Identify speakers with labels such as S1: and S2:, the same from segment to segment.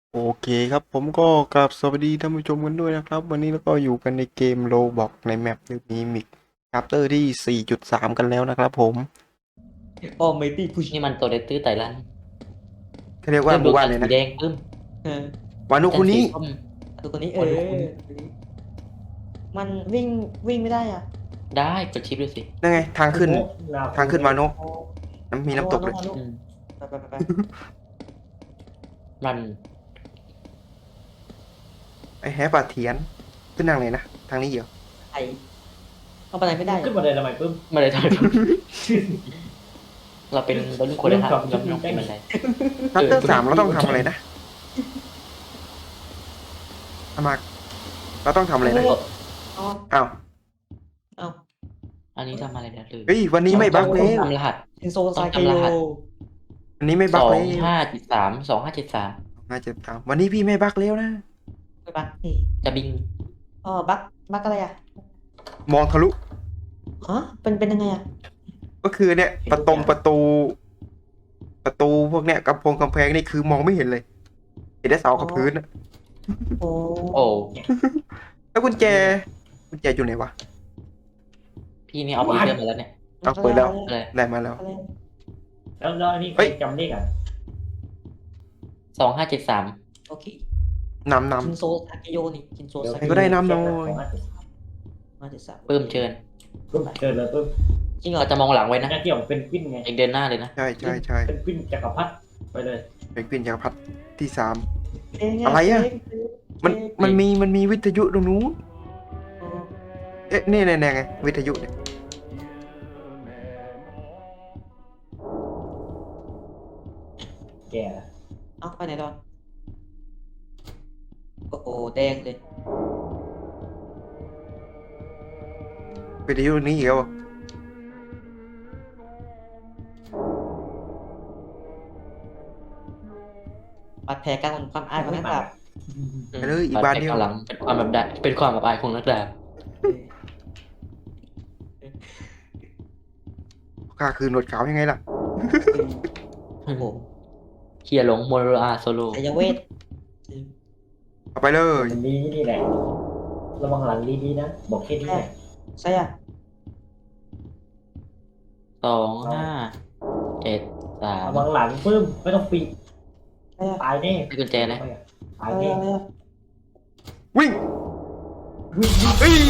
S1: โอเคครับผมก็กราบสวัสดีท่านผู้ชมกันด้วยนะครับวันนี้เราก็อยู่กันในเกมโ o บอกในแมปมีมิกชัปเตอร์ที่ 4.3 กันแล้วนะครับผม
S2: ออมไม่ตีพุช
S3: นี่มันตัวเล็กตื้อไต่ลัน
S1: เขาเรียกว่า
S3: เริ่ม
S1: ห
S3: ดวงจันทร์สี
S1: มู่บ้านเลยนะ
S3: แดงปึ้ม
S2: เออ
S1: วานุ
S3: จันทร์สี
S1: คุนี้
S3: ส้ม
S2: ตัวคนนี้
S3: คนคุ้น
S2: มันวิ่งไม่ได้อ่ะ
S3: ได้กดชิปดูสิ
S1: นั่นไงทางขึ้นวานุ
S2: โอ้
S1: มีน้ำตกเลย
S2: โอ้
S3: อืม
S2: ไป
S3: รัน
S1: ไอ้แฮปาเทียนขึ้นทางไหนนะทางนี้เหรอ
S2: ไอเอาไปไหนไม่ได้
S4: ขึ้นมาเลยทำไมปึ้ม
S3: มาเลยทอยเราเป็นบรรลุคนละทางเราไม่ต้องเป็นบันได
S1: ชัปเตอร์3เราต้องทำอะไรนะอามาเราต้องทำอะไรนะ
S2: อ๋อ
S1: อ้าว
S2: เอา
S3: อันนี้ทำอะไรนะลืม
S1: เฮ้ยวันนี้ไม่บั๊กเลย
S3: ทำรหัส
S2: เอนโซไซเก
S3: ต้อง
S2: โย
S3: จำรหัส
S1: วันนี้ไม่
S3: ส
S1: บั๊ก
S3: อ
S1: เล
S3: ง
S1: ย
S3: ห้าเจ็ดสาม2573
S1: น่าจะตามวันนี้พี่ไม่บั๊กแล้วนะ
S2: ไปปะ
S3: จะบิน
S2: บักอะไรอ่ะ
S1: มองทะลุ
S2: ฮะเป็นยังไงอ่ะ
S1: ก็คือเนี่ยประตูพวกเนี้ยกำแพงนี่คือมองไม่เห็นเลยเห็นแต่เสากับพื้นอะ
S2: โอ้
S3: โอ้
S1: แล้วกุญแจอยู่ไหนวะ
S3: พี่นี่เอาปีเตอร์มาแล้วเนี่ย
S1: เอาเปิดแล้ว
S3: อะไร
S1: ได้มาแล้ว
S2: อะไร
S4: แล้วอันนี้ใค
S1: เฮ้
S4: ร
S1: ย
S4: จำเลขอ่ะ
S3: 2573
S2: โอเค
S1: นำ
S2: คินโซไซเกโยนี่คินโซไซ
S1: ใครก็ได้น้ำหน่อย
S2: มาเจ็ดสาม
S3: ปึ้มเชิญ
S4: ปึ้มเกิดเลยปึ้ม
S2: จริงเหรอ
S3: เราจะมองหลังไว้นะ
S4: หน้าที่ของเป็นกวินไง
S3: เองเดินหน้าเลยนะ
S1: ใช่
S4: เป็นกวินจักรพรรดิไปเลย
S1: เป็นกวินจักรพรรดิที่3
S2: เพลง
S1: อะไรอะ
S2: เพลง
S1: มันมีวิทยุตรงนู้นเอ๊ะนี่ไงวิทยุเนี่ย
S4: แก่ละ
S2: เอาไปไหนตอนโอ้โหแดงเลย
S1: วิทยุนี้อีกแล้วอะ
S2: บาดแผลการความอายของนักดาบ
S1: ไปเลยอีกบานเดียว
S3: หลังเป็นความแบบได้เป็นความแบบอายของนักดาบ
S1: ข้าคือหนวดขาวยังไงล่ะ
S2: โอ้โห
S3: เฮียหลงโมโรอาโซโล
S2: อายเวท
S1: เอาไปเลย
S4: มันดีนี่แหละระวังหลังดีๆนะบอกแค่นี้แหละ
S2: ใช่อ่ะ
S3: 2573
S4: ระวังหลังปึ้มไม่ต้องปิด
S2: ใช่อ่ะ
S4: ตายแน่
S3: ให้กุญแจนะ
S4: ตาย
S2: อะไร
S4: แน่
S2: อะไรอะ
S1: วิ่งเอ้ย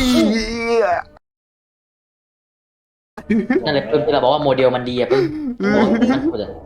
S3: นั่นแหละปึ้มที่เราบอกว่าโมเดลมันดีอะปึ้มโมเดลมันพูดอะ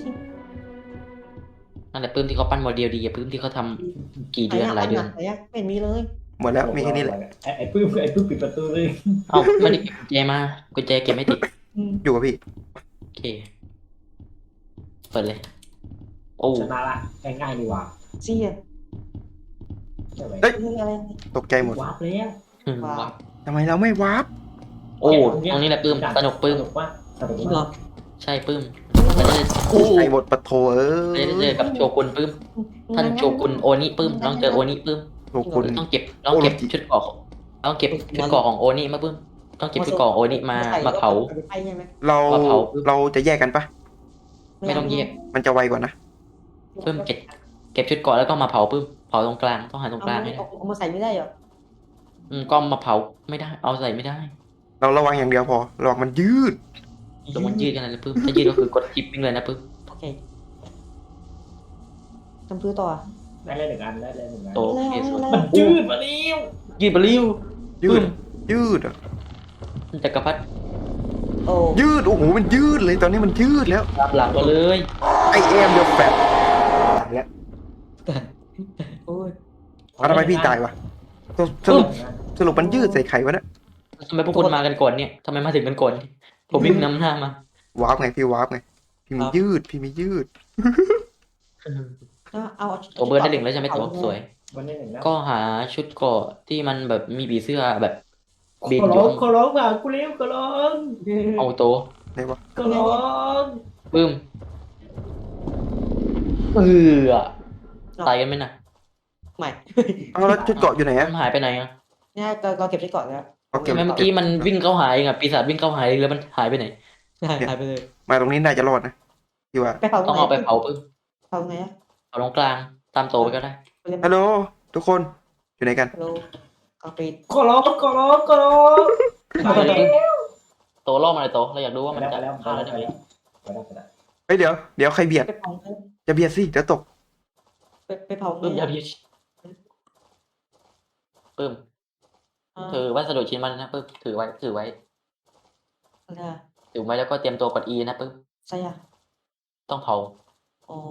S3: นั่นแหละปึ้มที่เขาปั้นโมเดลดีอะปึ้มที่เขาทำกี่เดือนหลายเดือน
S2: ไหนอะไม่เห็นมีเลย
S1: หมดแล้วมีแค่นี้แหละ
S4: ไอ้ปึ้มปิดประตูเลย
S3: เอ้าไม่ได้เก็บกุญแจมากุญแจเก็บไม่ติด
S1: อยู่กับพี่
S3: โอเคเปิดเลยโอ้
S4: ชนะละง่ายๆดีกว่า
S2: ซี่อะ
S4: ใช่ไหม
S1: เฮ้ย
S2: อะไร
S1: ตกใจหมด
S4: วาร์ปแล้ว
S3: ว้าว
S1: ทำไมเราไม่วาร์ป
S3: โอ้ตรงนี้แหละปึ้มสนุกปึ้ม
S4: สนุกว่าสนุก
S2: จริงเหร
S4: ว่า
S2: อ
S3: ใช่ปึ้มมันจะได้
S1: ไอ้หมดปะโถ
S3: จะได้เจอกับโชกุนปึ้มท่านโชกุนโอนิปึ้มต้องเจอโอนิปึ้ม
S1: โชกุน
S3: ต้องเก็บชุดเกราะต้องเก็บชุดเกราะของโอนิมาปึ้มต้องเก็บชุดเกราะของโอนิมาเผา
S2: ไปใช่ไหม
S1: เรา
S3: ปะเผา
S1: เราจะแยกกันปะ
S3: ไม่ต้องแยก
S1: มันจะไวกว่านะ
S3: ปึ้มเก็บชุดเกราะแล้วก็มาเผาปึ้มเผาตรงกลางต้องหาตรงกลางให้ได้
S2: เอามาใส่ไม่ได้เหรอ
S3: ก็มาเผาไม่ได้เอาใส่ไม่ได้
S1: เราระวังอย่างเดียวพอระวังมันยืด
S3: ลงมันยืดกันเลยปึ้มถ้ายืดก็คือกดชิปวิ่งเลยนะปึ้ม
S2: โอเคทำพื้นต่อ
S4: ได้เลยหนึ่งอันได้เลยหนึ่งอัน
S3: โตเคสุด
S4: มันยืดมาแล้ว
S3: ยืดไปเร็ว
S1: ยื
S3: ปึ้
S1: ด
S3: ม
S1: ยืดอะ
S3: จักรพรรดิ
S2: โอ้
S1: ยืดโอ้โหมันยืดเลยตอนนี้มันยืดแล้ว
S3: ตามหลังมาเลย
S1: ไอเอ็มเดอะแฟตแล้ว
S2: โอ้ย
S1: ทำไมพี่ตายวะสรุปมันยืดใส่ไข่วะเนี่ย
S3: ทำไมพวกคุณมากันก่อนเนี่ยทำไมมาถึงกันก่อนผมวิ่งนำหน้ามาว
S1: าร์ปไงพี่วาร์ปไงพี่มียืดพี่มียืด
S2: เอา
S3: ตัวเบิร์ดได้หนึ่งแล้วใช่ไหมตัวสวย
S4: วันนี้หนึ่งแล้ว
S3: ก็หาชุดเกราะที่มันแบบมีผีเสื้อแบบ
S4: ข
S3: บิน
S4: อ
S3: อ
S4: ร้
S3: ยู่
S4: องขอร้องว่ะกูเลี้ยวขอร้อง
S3: เอาโต
S1: ไหนวะ
S4: ขอร้อง
S3: ปึ้มตายกันไหมน่ะ
S2: ใหม่
S1: เอาแล้วชุดเกาะอยู่ไหน
S3: มั
S1: อะ
S3: นหายไปไหนอ่ะ
S2: เนี่ยเราเก็บได้ก่อนแล้ว
S1: เอาเก็บ
S3: ทำไมเมื่อกี้มันวิ่งเข้าหายเองอ่ะปีศาจวิ่งเข้าหายเองแล้วมันหายไปไหน
S2: หายไปเลย
S1: มาตรงนี้น่าจะรอดนะพี่ว่า
S2: ไปเผา
S3: ต้องเอาไปเผาปึ้ม
S2: เผาไงอะ
S3: เผาตรงกลางตามโตไปก็ได้
S1: ฮัลโหลทุกคนอยู่ไหนกัน
S2: ฮัลโหลกาปิด
S4: ขอร้องขอร้องขอร้องไปแล้ว
S3: โตล่อมาเลยโตเราอยากดูว่า
S4: ไป
S3: มัน
S4: แล้ว
S3: จะ
S4: ไปแล้ว
S3: เข้าแล้วได้ไหม
S4: ไปแล้วไปแล้ว
S1: เฮ้ยเดี๋ยวใครเบียด
S2: ไปเผา
S1: จะเบียดสิเดี๋ยวตก
S2: ไปเผา
S3: ปึ้มอย่าพิชปึ้มถือวัสดุชิ้นมันนะปึ้มถือไว้
S2: อะไร
S3: ถือไว้แล้วก็เตรียมตัวกด E นะปึ้ม
S2: ใช่อ่ะ
S3: ต้องเผา
S2: อ๋อ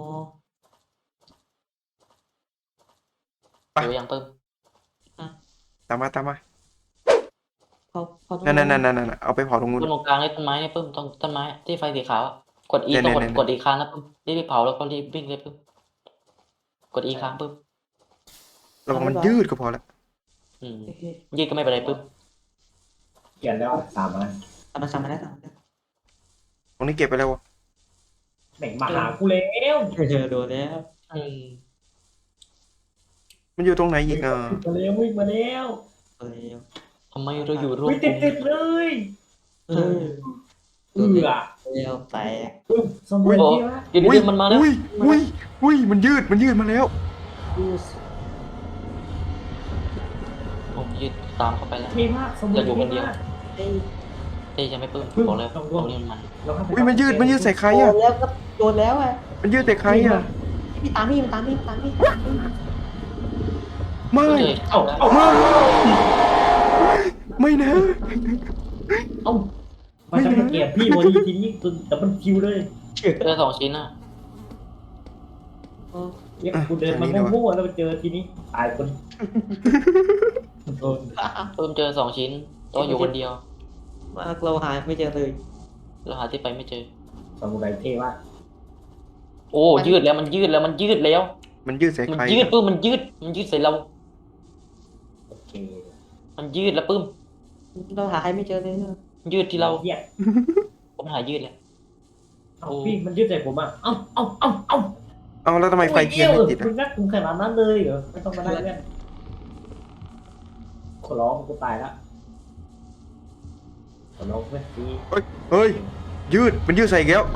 S3: ดูยังปึ้ม
S1: ตามมา
S2: เผา
S1: นั่นเอาไปเผาตรงนู้น
S3: ปึ้มตรงกลางเลยต้นไม้เนี่ยปึ้มตรงต้นไม้ที่ไฟสีขาวกด E
S1: เนี่ย
S3: ต้อง
S1: เนี่ย
S3: กด E ค้างนะปึ้มรีบเผาแล้วก็รีบวิ่งเลยปึ้มกด E ค้างปึ้ม
S1: ระวังมันยืดก็พอละ
S3: ยืดก็ไม่เป็นไรปึ้ม
S4: เขียนแล้วตามมา
S2: ทำมาแล้ว
S1: ตรงนี้เก็บไปแล้ววะ
S4: แม่งมาหากูแล้ว
S2: โดนแล้ว
S1: มันอยู่ตรงไหนอีกอ่ะ
S4: มาแล้ววิ่งมาแล้ว
S3: ทำไมเราอยู่ร่วม
S4: วิ่งติดเลย
S2: เออ
S4: แล้ว
S2: แตก
S4: ปึ๊บสมุนที่วะ
S3: เดี๋ยวมันมาแล้ว
S1: อุ้ยมันยืดมาแล้ว
S3: ผมยืดตามเข้าไปแล้ว
S4: เท่มากสมุนเท่มาก
S3: เต้จะไม่ปึ้มบอกเลยตรงนี้มัน
S1: อุ้ยมันยืดใส่ใคร
S2: โด
S1: อ่ะ
S2: นแล้วก็โดนแล้วอ่ะ
S1: มันยืดใส่ใครอ่ะ
S2: พี่ตามพี่
S1: ไม่
S4: เอ้า
S1: ไม่นะ
S4: เอ้ามันจะเก็บพี่โมดีทีนี้จนแต่มันคิวเลย
S3: เจอ2 ชิ้นอ่ะ
S4: เนี่ยกูเดินมามั่วๆแล้วไปเจอทีนี้ตายคนโดน
S3: ปึ้มเจอ2 ชิ้นโตอยู่คนเดียว
S2: มาเราหาไม่เจอเลย
S3: เราหาที่ไปไม่เจอ
S4: สมุนเท่มาก
S3: โอ้ยืดแล้วมันยืดแล้ว
S1: มันยืดใส่
S3: มัน
S1: ใคร
S3: ยืดปึ้มมันยืดใส่เรา
S4: โอเค
S3: มันยืดแล้วปึ้ม
S2: เราหาใครไม่เจอเลย
S3: ยืดที่เรา
S4: เหี้ย
S3: ผมหายืดเลย
S4: เอาพี่มันยืดใส่ผมอ่ะเอ้า
S1: เอาแล้วทำไมไฟเทียนไม่ติด
S4: คุ
S1: อ่ะ
S4: ณนักคุณขนาดนั้นเลยเหรอไม่ต้องมานั่งกันขอร้องกูตายละขอร้องไม่ดี
S1: เฮ้ยมันยืดใส่อีกแล้ว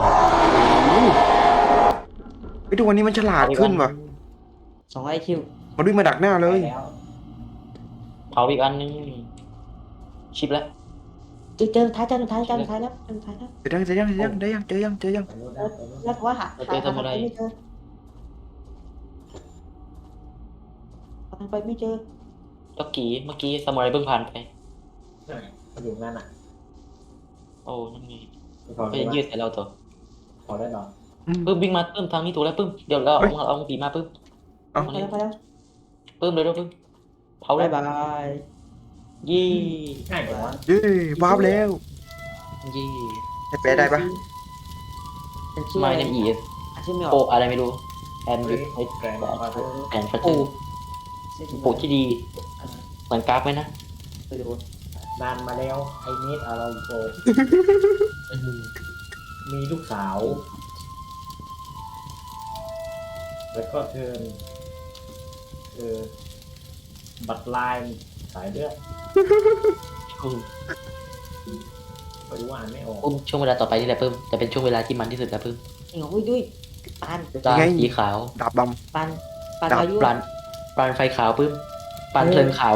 S1: ไอ้ทุกวันนี้มันฉลาดขึ้นว่ะ
S2: 2 IQ
S1: มันวิ่งมาดักหน้าเลย
S4: แล้ว
S3: เผาอีกอันนึงชิปแล้ว
S2: เจอท้ายแล้ว
S1: เจอยังได้ยัง
S2: แล้วว่าหาไปไม่เจอไปไม่เจอ
S3: จ็อกกี้เมื่อกี้สมุไรเพิ่งผ่านไป
S4: มันอยู่งั้นอ่ะ
S3: โอ้นั่นไง
S4: ขอ
S3: ก็จะยืดใส่เราตัว
S4: ขอได้หรอ
S3: ปึ้มวิ่งมาปึ้มทางนี้ถูกแล้วปึ้มเดี๋ยวเราเอาผีมาปึ้ม
S2: ไปแล้ว
S3: ปึ้มเลยปึ้มเผาเล
S2: บาย ย
S3: ยี่
S4: ง่ายกว่า
S1: เย้วาร์ปแล้ว
S3: ยี่
S1: ให้แปลได้ปะ
S3: ไม่เนี่ยอี
S2: ชื่อไม่อ
S3: โป
S2: อก
S3: อะไรไม่รู้แอนยูไอ
S4: แกนมาเถอะ
S3: แอนฟัตเตอร์โปที่ดีเหมือนกราฟไหมนะ
S4: นานมาแล้วไอ้นิดอาราโกมีลูกสาว แล้วก็เธอบัตรลายสายเลือดไม่รู้อ่านไม่ออก
S3: ปึ้มช่วงเวลาต่อไปนี่แหละปึ้มจะเป็นช่วงเวลาที่มันที่สุดแล้วปึ้ม
S2: จริงเหรอด้วยปาน
S3: ตาสีขาว
S1: ดาบด
S2: ปาน
S3: ปานไฟขาวปึ้มปานเพลิงขาว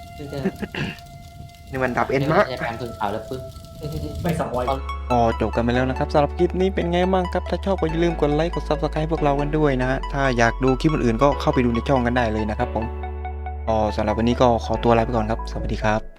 S1: ำนี่มันดาบเอ็นมาก
S3: ใช่ปานเพลิงขาวแล้วปึ้ม
S4: ไม่สปอย
S1: ก็จบกันไปแล้วนะครับสำหรับคลิปนี้เป็นไงบ้างครับถ้าชอบก็อย่าลืมกดไลค์กด Subscribe พวกเรากันด้วยนะฮะถ้าอยากดูคลิปอื่นๆก็เข้าไปดูในช่องกันได้เลยนะครับผมสำหรับวันนี้ก็ขอตัวลาไปก่อนครับสวัสดีครับ